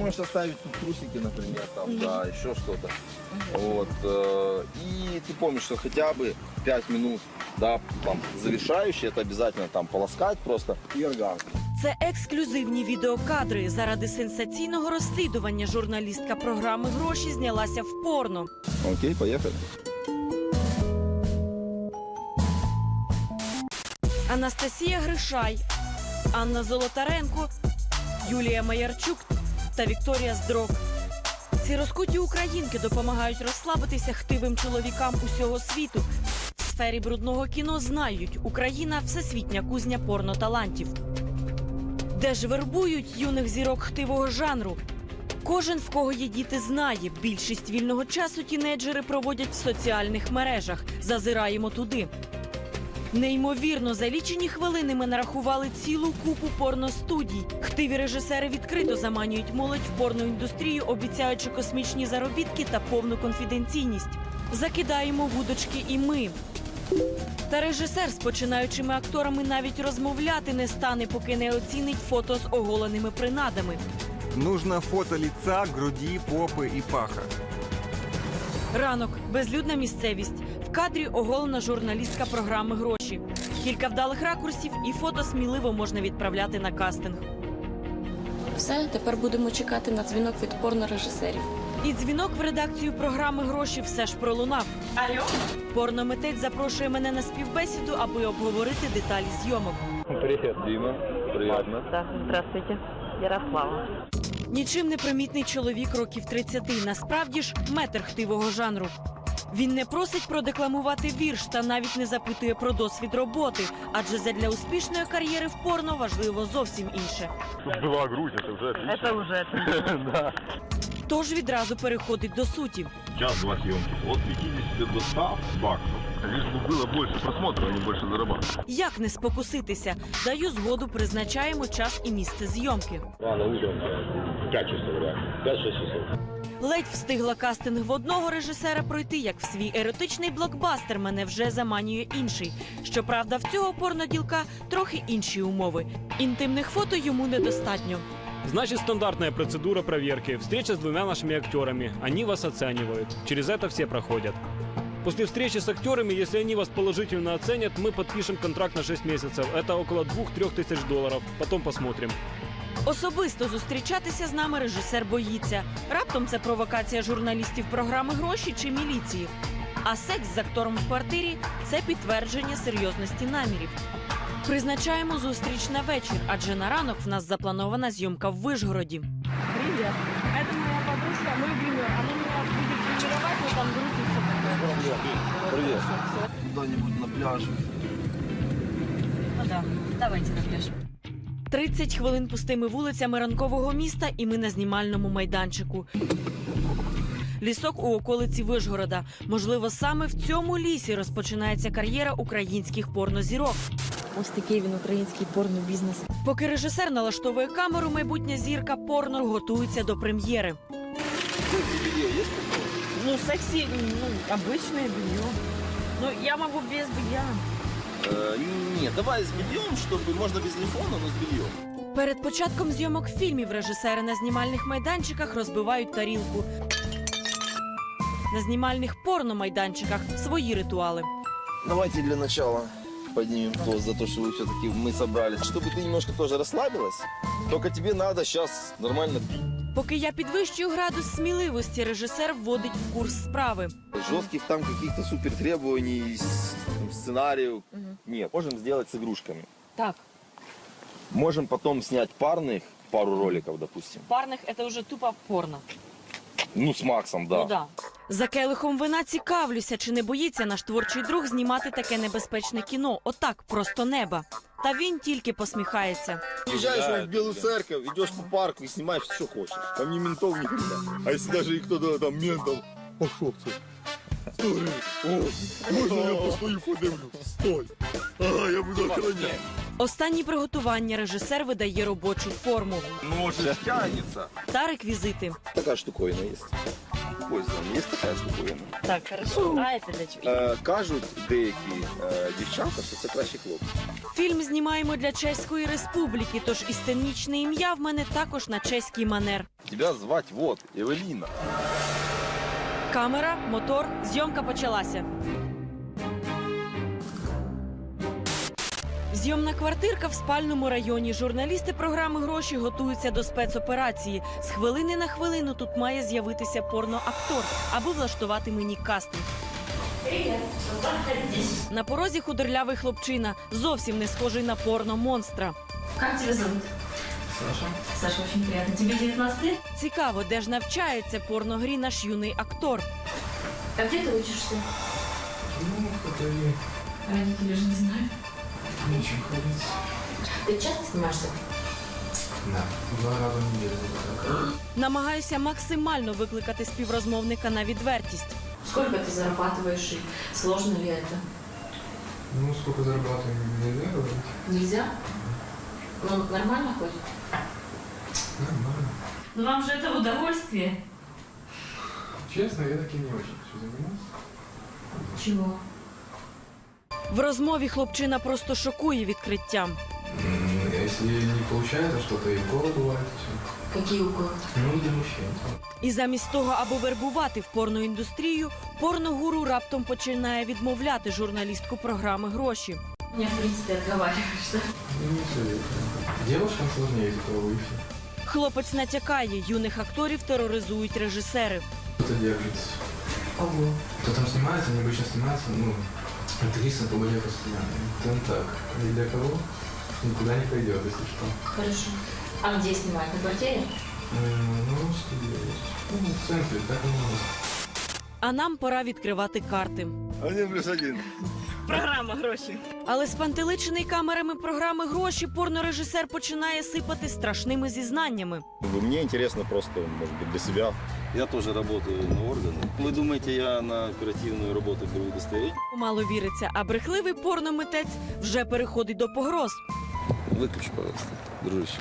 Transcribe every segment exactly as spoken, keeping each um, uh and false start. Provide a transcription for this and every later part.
можешь оставить тут трусики, например, там, mm-hmm. да, еще что-то. Mm-hmm. Вот. Э, и ты помнишь, что хотя бы пять минут, да, там, завершающие, это обязательно там полоскать просто и оргазм. Це ексклюзивні відеокадри. Заради сенсаційного розслідування журналістка програми «Гроші» знялася в порно. Окей, поехали. Анастасія Гришай, Анна Золотаренко, Юлія Маярчук та Вікторія Здрок. Ці розкуті українки допомагають розслабитися хтивим чоловікам усього світу. В сфері брудного кіно знають, Україна – всесвітня кузня порноталантів. Де ж вербують юних зірок хтивого жанру? Кожен, в кого є діти, знає. Більшість вільного часу тінейджери проводять в соціальних мережах. Зазираємо туди. Неймовірно, за лічені хвилини ми нарахували цілу купу порностудій. Хтиві режисери відкрито заманюють молодь в порноіндустрію, обіцяючи космічні заробітки та повну конфіденційність. Закидаємо вудочки і ми. Та режисер з починаючими акторами навіть розмовляти не стане, поки не оцінить фото з оголеними принадами. Нужно фото лица, груди, попи і паха. Ранок. Безлюдна місцевість. В кадрі оголена журналістка програми «Гроші». Кілька вдалих ракурсів і фото сміливо можна відправляти на кастинг. Все, тепер будемо чекати на дзвінок від порнорежисерів. І дзвінок в редакцію програми «Гроші» все ж пролунав. Алло? Порномитець запрошує мене на співбесіду, аби обговорити деталі зйомок. Привет, Дима. Приятно. Да, здравствуйте. Ярослава. Нічим не примітний чоловік років тридцяти. Насправді ж метр хтивого жанру. Він не просить продекламувати вірш та навіть не запитує про досвід роботи. Адже задля успішної кар'єри в порно важливо зовсім інше. Была грудь, это уже отлично. Это уже. Да. Тож відразу переходить до суті. Час-два съемки. От пятьдесят до ста баксов. Лишь бы было больше просмотров, а не больше зарабатывать. Як не спокуситися? Даю згоду, призначаємо час і місце зйомки. Рано утром, пять часов, реально. пять-шесть часов. Ледь встигла кастинг в одного режисера пройти, як в свій еротичний блокбастер мене вже заманює інший. Щоправда, в цього порноділка трохи інші умови. Інтимних фото йому недостатньо. Значит, стандартная процедура проверки. Встреча с двумя нашими актерами. Они вас оценивают. Через это все проходят. После встречи с актерами, если они вас положительно оценят, мы подпишем контракт на шесть месяцев. Это около двух-трёх тысяч долларов. Потом посмотрим. Особисто зустрічатися з нами режисер боїться. Раптом це провокація журналістів програми «Гроші» чи міліції. А секс з актором в квартирі – це підтвердження серйозності намірів. Призначаємо зустріч на вечір, адже на ранок в нас запланована зйомка в Вишгороді. Привет. Это моя подружка, мой гример. Она меня будет тренировать, но там грудь и все такое. Привет. Куда-нибудь на пляже. Ну да, давайте на пляж. тридцять хвилин пустими вулицями ранкового міста, і ми на знімальному майданчику. Лісок у околиці Вишгорода. Можливо, саме в цьому лісі розпочинається кар'єра українських порнозірок. Ось такий він український порнобізнес. Поки режисер налаштовує камеру, майбутня зірка порно готується до прем'єри. Ну, секси, ну, обычное белье. Ну, я могу без белья. Э, нет, давай с бельем, чтобы можно без телефона, но с бельем. Перед початком зйомок фільмів режисери на знімальних майданчиках розбивають тарілку. На знімальних порномайданчиках свої ритуали. Давайте для начала поднимем тост за то, что вы все-таки мы собрались. Чтобы ты немножко тоже расслабилась. Только тебе надо сейчас нормально. Поки я підвищую градус сміливості, режисер вводить в курс справи. Жестких там каких-то супер требований, сценариев нет. Можем сделать с игрушками. Так, Можем потом снять парных, пару роликов, допустим. парних – це вже тупо порно. Ну, с Максом, да. Ну да. За келихом вина цікавлюся, чи не боїться наш творчий друг знімати таке небезпечне кіно. Отак, просто неба. Та він тільки посміхається. Приезжаешь в Белую Церковь, идешь по парку и снимаешь что хочешь. Там ни ментов, ни хрена. А если даже и кто-то там ментом, пошел ты. Стой. О, можно я постою подивлю? Стой. Ага, я буду охранять. Останні приготування режисер видає робочу форму Нож тянется. та реквізити. Такая штуковина есть. используем. Есть такая штуковина. Так, хорошо. А це для чого? Е, кажуть деякі е, дівчата, що це кращий хлопець. Фільм знімаємо для Чеської Республіки, тож і сценічне ім'я в мене також на чеський манер. Тебя звать вот, Евеліна. Камера, мотор, зйомка почалася. Зйомна квартирка в спальному районі. Журналісти програми «Гроші» готуються до спецоперації. З хвилини на хвилину тут має з'явитися порноактор, аби влаштувати мені кастинг. На порозі худорлявий хлопчина, зовсім не схожий на порно-монстра. Як тебе зовут? Саша? Саша, очень приятно. Тебе девятнадцать лет? Цікаво, де ж навчається порногрі наш юний актор. А где ты учишься? Ну, в Катари. Родители же не знают. Нечем ходить. Ты часто снимаешься? Да, два раза в неделю. Вот так. Намагаюся максимально викликати співрозмовника на відвертість. Сколько ты зарабатываешь и сложно ли это? Ну, сколько зарабатываем, нельзя говорить. Нельзя? Ну, нормально хоть? Нормально. Ну вам же это удовольствие. Честно, я таки не очень хочу заниматься. Чего? В розмові хлопчина просто шокує відкриттям. М, Если не получается что-то, и уколы бывает, все. Какие уколы? Ну, для мужчин. І замість того, аби вербувати в порноіндустрію, порногуру раптом починає відмовляти журналістку програми «Гроші». Меня, в принципе, отговариваешь, да? Ну, не советую. Девушкам сложнее из-за того выше. Хлопець натякає, юних акторів тероризують режисери. Кто-то держится. Ого. Кто там снимается, они обычно снимаются, ну, актриса по более постоянно. Там так. Ни для кого никуда не пойдет, если что. Хорошо. А где снимать? На квартире? М, Ну, студия есть. Ну, в центре, так и есть. А нам пора відкривати карти. Один плюс один. Програма «Гроші». Але спантеличений камерами програми «Гроші» порнорежисер починає сипати страшними зізнаннями. Мне интересно просто, может быть, для себя. Я тоже работаю на органы. Вы думаете, я на оперативную работу беру удостоверение? Мало віриться, а брехливий порномитець вже переходить до погроз. Выключи, пожалуйста, дружище.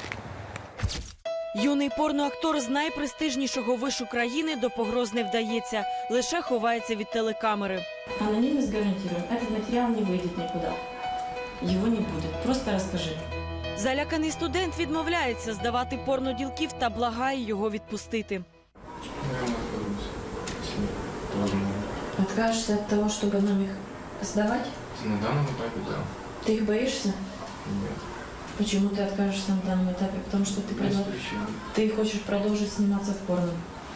Юний порноактор з найпрестижнішого вишу країни до погроз не вдається, лише ховається від телекамери. Анонимность гарантируем. Этот материал не выйдет никуда. Его не будет. Просто расскажи. Заляканий студент відмовляється здавати порноділків та благає його відпустити. Наверное, откажусь. Если возможно. Откажешься от того, чтобы нам их сдавать? На данном этапе, да. Ты их боишься? Нет. Почему ты откажешься на данном этапе? Потому что ты, Без продол- причин. ты хочешь продолжить сниматься в порно.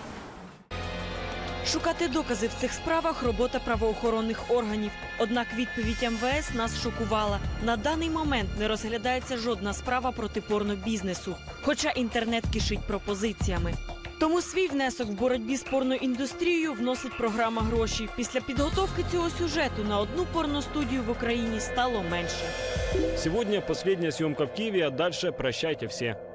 Шукати докази в цих справах – робота правоохоронних органів. Однак відповідь ем ве ес нас шокувала. На даний момент не розглядається жодна справа проти порнобізнесу, хоча інтернет кишить пропозиціями. Тому свій внесок в боротьбі з порноіндустрією вносить програма «Гроші». Після підготовки цього сюжету на одну порностудію в Україні стало менше. Сегодня последняя съемка в Киеве, а дальше прощайте все.